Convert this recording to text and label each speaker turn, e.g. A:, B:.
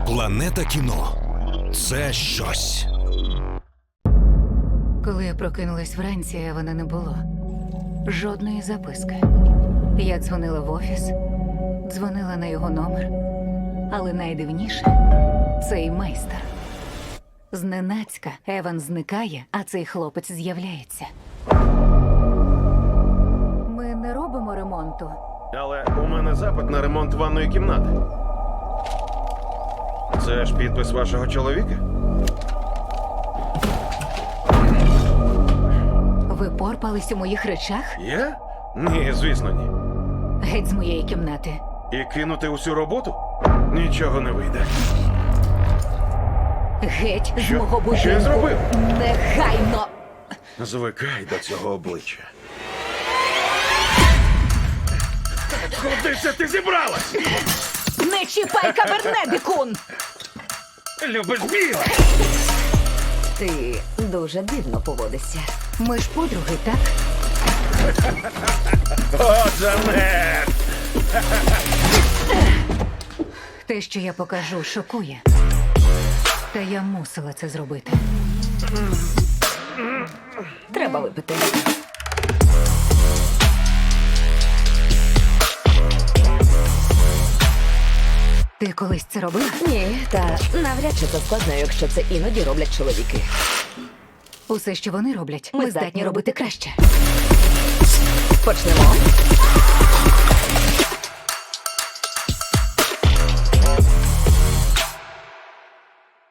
A: Планета кіно – це щось.
B: Коли я прокинулась вранці, Евана не було. Жодної записки. Я дзвонила в офіс, дзвонила на його номер. Але найдивніше – цей майстер. Зненацька Еван зникає, а цей хлопець з'являється. Ми не робимо ремонту.
C: Але у мене запит на ремонт ванної кімнати. Це ж підпис вашого чоловіка?
B: Ви порпались у моїх речах?
C: Я? Ні, звісно, ні.
B: Геть з моєї кімнати.
C: І кинути усю роботу? Нічого не вийде.
B: Геть з
C: Що?
B: мого будинку.
C: Що я зробив?
B: Негайно!
C: Звикай до цього обличчя. Куди це ти зібралась?
B: Не чіпай кабернедикун!
C: Любиш біле?
D: Ти дуже дивно поводишся.
B: Ми ж подруги, так?
C: О, Джанет!
B: Те, що я покажу, шокує. Та я мусила це зробити.
D: Треба випити.
B: Ти колись це робила?
D: Ні, та навряд чи це складно, якщо це іноді роблять чоловіки.
B: Усе, що вони роблять, ми здатні робити краще.
D: Почнемо.